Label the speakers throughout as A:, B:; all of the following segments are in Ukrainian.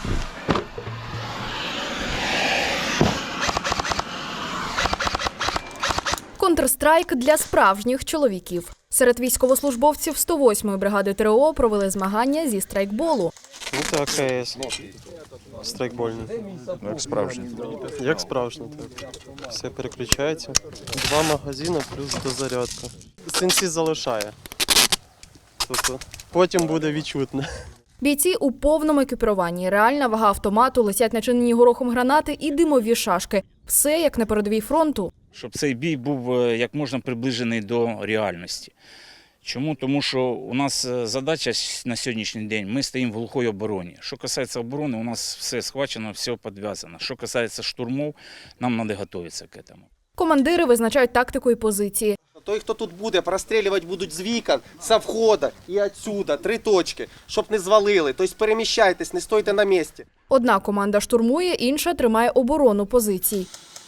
A: Контрстрайк для справжніх чоловіків. Серед військовослужбовців 108-ї бригади ТрО провели змагання зі страйкболу.
B: Це АКС. Страйкбольний.
C: Як справжній.
B: Як справжній, так. Все переключається. 2 магазини плюс дозарядка. Синці залишає. Тобто потім буде відчутно.
A: Бійці у повному екіпіруванні. Реальна вага автомату, летять начинені горохом гранати і димові шашки. Все як на передовій фронту.
D: Щоб цей бій був як можна приближений до реальності. Чому? Тому що у нас задача на сьогоднішній день, ми стоїмо в глухій обороні. Що касається оборони, у нас все схвачено, все підв'язано. Що касається штурмов, нам треба готуватися к цьому.
A: Командири визначають тактику і позиції.
E: Той, хто тут буде, прострілювати будуть з вікон, з входу і відсюди, 3 точки, щоб не звалили. Тобто переміщайтесь, не стойте на місці.
A: Одна команда штурмує, інша тримає оборону позицій.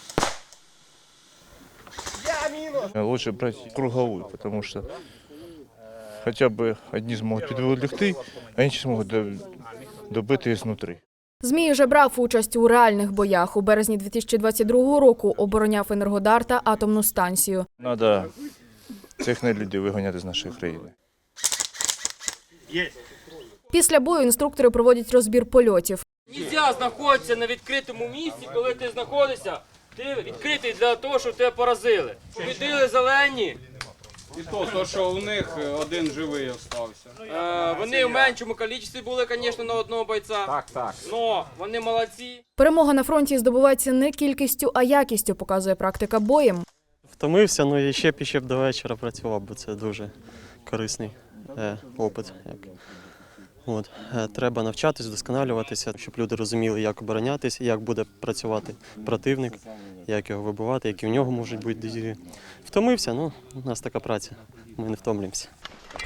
C: Лучше брать круговую, потому что хотя бы одни смогут підволікти, а інші зможуть добити знутрі.
A: Змій вже брав участь у реальних боях. У березні 2022 року обороняв Енергодар та атомну станцію.
C: Треба цих нелюдів виганяти з нашої країни.
A: Після бою інструктори проводять розбір польотів.
F: Нельзя знаходитися на відкритому місці, коли ти знаходишся, ти відкритий для того, щоб тебе поразили. Побідили зелені.
G: І то, що у них один живий остався.
F: Вони в меншому кількості були, звісно, на одного бойця.
G: Так.
F: Но вони молодці.
A: Перемога на фронті здобувається не кількістю, а якістю, показує практика боєм.
B: Втомився, ну і ще б до вечора працював, бо це дуже корисний опит. От. Треба навчатись, вдосконалюватися, щоб люди розуміли, як оборонятися, як буде працювати противник, як його вибивати, які в нього можуть бути дії. Втомився, ну, у нас така праця, ми не втомлюємося.